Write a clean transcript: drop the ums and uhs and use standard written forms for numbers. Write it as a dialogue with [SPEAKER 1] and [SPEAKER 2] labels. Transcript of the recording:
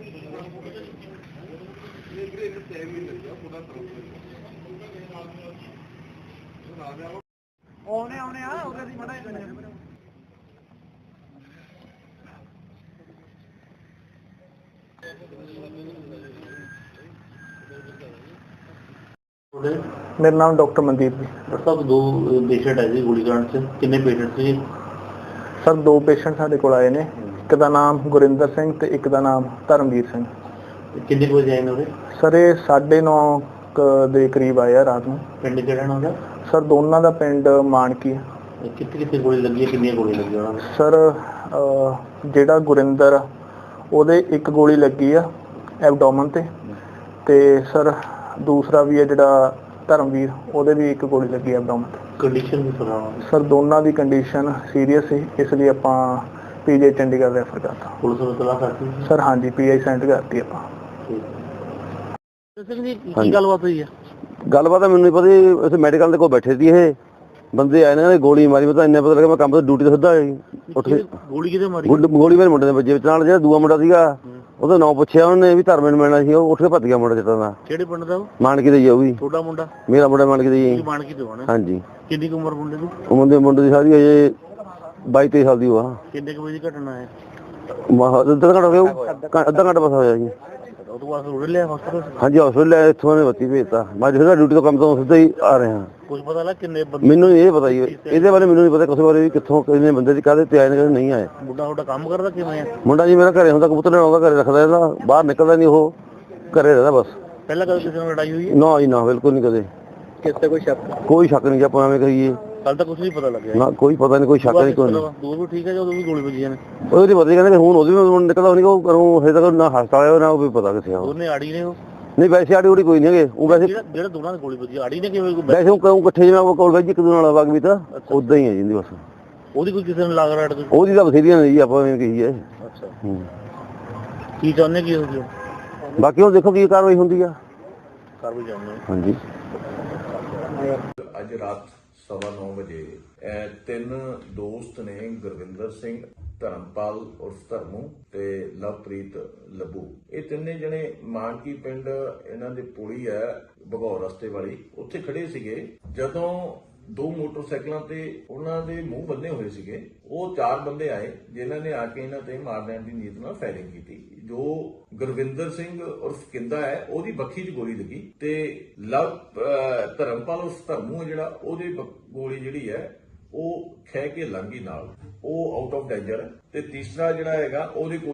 [SPEAKER 1] ਆਉਣੇ ਆ ਉਹਦੇ ਦੀ ਮੜਾ मेरा नाम डॉक्टर मनदीप जी।
[SPEAKER 2] डॉक्टर साहब दो पेशेंट है जी गोलीकांड से कितने पेशेंट से?
[SPEAKER 1] सर दो पेशेंट साडे कोल आए ने, एक दा नाम गुरिंदर सिंह ते एक दा नाम धर्मवीर सिंह।
[SPEAKER 2] कितने बजे आए ने?
[SPEAKER 1] सर ये 9:30 ਦੇ ਕਰੀਬ ਆਏ ਆ ਰਾਤ ਨੂੰ।
[SPEAKER 2] ਪਿੰਡ ਕਿਹੜਾ ਨਾ ਉਹਦਾ?
[SPEAKER 1] ਸਰ ਦੋਨਾਂ ਦਾ ਪਿੰਡ ਮਾਨਕੀ ਹੈ।
[SPEAKER 2] ਕਿੱਥੇ ਗੋਲੀ ਲੱਗੀ ਹੈ, ਕਿੰਨੀਆਂ ਗੋਲੀ ਲੱਗੀਆਂ ਉਹਨਾਂ ਨੂੰ?
[SPEAKER 1] ਸਰ ਜਿਹੜਾ ਗੁਰਿੰਦਰ ਉਹਦੇ ਇੱਕ ਗੋਲੀ ਲੱਗੀ ਆ ਐਬਡੋਮਨ ਤੇ ਸਰ ਦੂਸਰਾ ਵੀ ਹੈ ਜਿਹੜਾ ਧਰਮਵੀਰ ਉਹਦੇ ਵੀ ਇੱਕ ਗੋਲੀ ਲੱਗੀ ਐਬਡੋਮਨ ਤੇ।
[SPEAKER 2] ਕੰਡੀਸ਼ਨ ਵੀ ਪਤਾ?
[SPEAKER 1] ਸਰ ਦੋਨਾਂ ਦੀ ਕੰਡੀਸ਼ਨ ਸੀਰੀਅਸ ਸੀ, ਇਸ ਲਈ ਆਪਾਂ ਪੀਜੀ ਚੰਡੀਗੜ੍ਹ ਰੈਫਰ ਕਰਤਾ।
[SPEAKER 2] ਪੁਲਿਸ ਨੂੰ ਤਲਾਸ਼ ਕਰਤੀ?
[SPEAKER 1] ਸਰ ਹਾਂਜੀ ਪੀਆਈ ਸੈਂਡ ਕਰਤੀ ਆਪਾਂ।
[SPEAKER 2] ਕੀ ਗੱਲਬਾਤ ਹੋਈ ਹੈ?
[SPEAKER 3] ਗੱਲਬਾਤ ਮੈਨੂੰ ਨਹੀਂ ਪਤਾ, ਅਸੀਂ ਮੈਡੀਕਲ ਦੇ ਕੋਲ ਬੈਠੇ ਸੀ, ਇਹ ਬੰਦੇ ਆਏ ਨੇ ਗੋਲੀ ਮਾਰੀ। ਮੈਂ ਤਾਂ ਇੰਨਾ ਪਤਾ ਲੱਗਾ ਮੈਂ ਕੰਮ ਤੋਂ ਡਿਊਟੀ ਤੋਂ ਸਿੱਧਾ ਉੱਠ ਕੇ
[SPEAKER 2] ਗੋਲੀ ਕਿਤੇ ਮਾਰੀ?
[SPEAKER 3] ਗੋਲੀ ਮੇਰੇ ਮੁੰਡੇ ਦੇ ਵੱਜੇ ਵਿੱਚ, ਨਾਲ ਜਿਹੜਾ ਦੂਆ ਮੁੰਡਾ ਸੀਗਾ ਉਹਦਾ ਨਾਂ ਪੁੱਛਿਆ ਉਹਨੇ ਵੀ ਧਰਮੇ ਨੂੰ ਮਿਲਣਾ ਸੀ, ਉਹ ਉੱਠ ਕੇ ਭੱਜ ਗਿਆ ਮੁੰਡਾ ਜਿੱਤਾਂ ਦਾ।
[SPEAKER 2] ਕਿਹੜੇ ਪਿੰਡ ਦਾ ਉਹ?
[SPEAKER 3] ਮਾਨਕੀ ਦਾ ਹੀ ਆ ਉਹ ਵੀ।
[SPEAKER 2] ਤੁਹਾਡਾ ਮੁੰਡਾ?
[SPEAKER 3] ਮੇਰਾ ਮੁੰਡਾ ਮਾਨਕੀ ਦਾ ਹੀ।
[SPEAKER 2] ਮਾਨਕੀ ਤੋਂ ਆਣਾ?
[SPEAKER 3] ਹਾਂਜੀ।
[SPEAKER 2] ਕਿੰਨੀ ਕੁ ਉਮਰ ਮੁੰਡੇ ਦੀ?
[SPEAKER 3] ਉਹ ਮੁੰਡੇ ਦੀ ਸਾਰੀ ਅਜੇ 22-23 ਸਾਲ ਦੀ ਉਹ ਆ।
[SPEAKER 2] ਕਿੰਨੇ ਕੁ ਵਜੇ ਦੀ ਘਟਨਾ ਹੈ?
[SPEAKER 3] ਅੱਧਾ ਘੰਟਾ ਹੋ ਗਿਆ, ਅੱਧਾ ਘੰਟਾ ਬਸ ਹੋਇਆ ਜੀ।
[SPEAKER 2] ਉਹ ਤੋਂ ਬਾਅਦ ਰੋੜ ਲਿਆ ਹਸਪਤਾਲ?
[SPEAKER 3] ਹਾਂਜੀ ਹਸਪਤਾਲ ਇੱਥੋਂ ਨੇ ਬੱਤੀ ਭੇਜਤਾ। ਮੈਂ ਜਿਹੜਾ ਡਿਊਟੀ ਤੋਂ ਕੰਮ ਤੋਂ ਸਿੱਧਾ ਹੀ ਆ ਰਿਹਾ।
[SPEAKER 2] ਕੁਝ ਪਤਾ ਲੱਗ ਕਿੰਨੇ ਬੰਦੇ?
[SPEAKER 3] ਮੈਨੂੰ ਇਹ ਪਤਾ ਹੀ ਇਹਦੇ ਬਾਰੇ, ਮੈਨੂੰ ਨਹੀਂ ਪਤਾ ਕਿਸੇ ਬਾਰੇ ਵੀ ਕਿੱਥੋਂ ਕਿੰਨੇ ਬੰਦੇ ਦੀ ਕਾਹਦੇ ਤੇ ਆਏ ਨੇ ਨਹੀਂ ਆਏ।
[SPEAKER 2] ਮੁੰਡਾ ਤੁਹਾਡਾ ਕੰਮ ਕਰਦਾ ਕਿਵੇਂ ਆ?
[SPEAKER 3] ਮੁੰਡਾ ਜੀ ਮੇਰਾ ਘਰੇ ਹੁੰਦਾ, ਕਬੂਤਰ ਲੈਣ ਆਉਂਦਾ, ਘਰੇ ਰੱਖਦਾ ਇਹਦਾ, ਬਾਹਰ ਨਿਕਲਦਾ ਨਹੀਂ, ਉਹ ਘਰੇ ਰਹਿੰਦਾ ਬਸ।
[SPEAKER 2] ਪਹਿਲਾਂ ਕਦੇ ਕਿਸੇ ਨਾਲ ਲੜਾਈ ਹੋਈ ਹੈ?
[SPEAKER 3] ਨਾ ਜੀ ਨਾ, ਬਿਲਕੁਲ ਨਹੀਂ ਕਦੇ।
[SPEAKER 2] ਕਿਸੇ ਕੋਈ ਸ਼ੱਕ?
[SPEAKER 3] ਕੋਈ ਸ਼ੱਕ ਨਹੀਂ, ਆਪਾਂ ਐਵੇਂ ਕਹੀਏ।
[SPEAKER 2] ਕੱਲ ਤਾਂ ਕੁਝ ਨਹੀਂ ਪਤਾ ਲੱਗਿਆ
[SPEAKER 3] ਨਾ ਕੋਈ ਪਤਾ ਨਹੀਂ, ਕੋਈ ਸ਼ੱਕ ਨਹੀਂ, ਕੋਈ
[SPEAKER 2] ਦੂਰ ਵੀ ਠੀਕ ਹੈ ਜਦੋਂ ਵੀ ਗੋਲੀ ਵੱਜੀਆਂ ਨੇ?
[SPEAKER 3] ਉਹਦੇ ਪਤਾ ਕਹਿੰਦੇ ਹੁਣ ਉਹਦੀ ਵੀ ਨਿਕਲਦਾ ਨਹੀਂ, ਉਹ ਕਰੂੰ ਹਜੇ ਤੱਕ ਨਾ ਹਸਪਤਾਲ ਆਇਆ ਨਾ ਉਹ ਵੀ ਪਤਾ ਕਿੱਥੇ ਆ।
[SPEAKER 2] ਉਹਨੇ ਆੜੀ ਨੇ ਉਹ?
[SPEAKER 3] ਨਹੀਂ ਵੈਸੇ ਆੜੀ ਉੜੀ ਕੋਈ ਨਹੀਂ ਹੈਗੇ, ਉਹ ਵੈਸੇ
[SPEAKER 2] ਜਿਹੜਾ ਦੋਨਾਂ ਦੀ ਗੋਲੀ ਵੱਜੀ ਆੜੀ ਨੇ ਕਿਵੇਂ?
[SPEAKER 3] ਵੈਸੇ ਉਹ ਕਹੂੰ ਇਕੱਠੇ ਜਿਵੇਂ ਕੋਲ ਵੈਜ ਇੱਕ ਦੂਜੇ ਨਾਲ ਵਗ ਵੀ ਤਾਂ ਉਦਾਂ ਹੀ ਹੈ ਜਿੰਦੀ ਬਸ।
[SPEAKER 2] ਉਹਦੀ ਕੋਈ ਕਿਸੇ ਨੂੰ ਲੱਗ ਰੜ?
[SPEAKER 3] ਉਹਦੀ ਤਾਂ ਬਥੇਰੀਆਂ ਨਹੀਂ ਜੀ, ਆਪਾਂ ਐਵੇਂ ਕਹੀਏ।
[SPEAKER 2] ਅੱਛਾ ਕੀ ਚਾਹੁੰਦੇ ਕੀ ਹੋ ਗਿਆ?
[SPEAKER 3] ਬਾਕੀ ਹੁਣ ਦੇਖੋ ਕੀ ਕਾਰਵਾਈ ਹੁੰਦੀ ਆ।
[SPEAKER 2] ਕਾਰਵਾਈ ਚਾਹੁੰਦੇ?
[SPEAKER 3] ਹਾਂਜੀ।
[SPEAKER 4] ਅੱਜ ਰਾਤ 9:15 ਵਜੇ ਤਿੰਨ ਦੋਸਤ ਨੇ, ਗੁਰਵਿੰਦਰ ਸਿੰਘ, ਧਰਮਪਾਲ ਉਰਫ ਧਰਮੂ ਤੇ ਲਵਪ੍ਰੀਤ ਲੱਭੂ, ਇਹ ਤਿੰਨੇ ਜਣੇ ਮਾਨਕੀ ਪਿੰਡ ਇਹਨਾਂ ਦੇ ਪੁਲੀ ਹੈ ਭਗੌਰ ਰਸਤੇ ਵਾਲੀ, ਉੱਥੇ ਖੜੇ ਸੀਗੇ। ਜਦੋਂ ਦੋ ਮੋਟਰਸਾਈਕਲਾਂ ਤੇ ਉਹਨਾਂ ਦੇ ਮੂੰਹ ਬੰਨੇ ਹੋਏ ਸੀਗੇ, ਉਹ ਚਾਰ ਬੰਦੇ ਆਏ ਜਿਨ੍ਹਾਂ ਨੇ ਆ ਕੇ ਇਹਨਾਂ ਤੇ ਮਾਰ ਲੈਣ ਦੀ ਨੀਅਤ ਨਾਲ ਫਾਇਰਿੰਗ ਕੀਤੀ। ਜੋ ਗੁਰਵਿੰਦਰ ਸਿੰਘ ਉਰਫ ਕਿੰਦਾ ਹੈ ਉਹਦੀ ਬੱਖੀ 'ਚ ਗੋਲੀ ਲੱਗੀ ਤੇ ਧਰਮਪਾਲ ਉਰਫ ਧਰਮੂ ਜਿਹੜਾ ਉਹਦੀ ਗੋਲੀ ਜਿਹੜੀ ਹੈ ਉਹ ਖਹਿ ਕੇ ਲੰਘੀ ਨਾਲ, ਉਹ ਆਊਟ ਆਫ ਡੇਂਜਰ ਹੈ। ਤੇ ਤੀਸਰਾ ਜਿਹੜਾ ਹੈਗਾ ਉਹਦੇ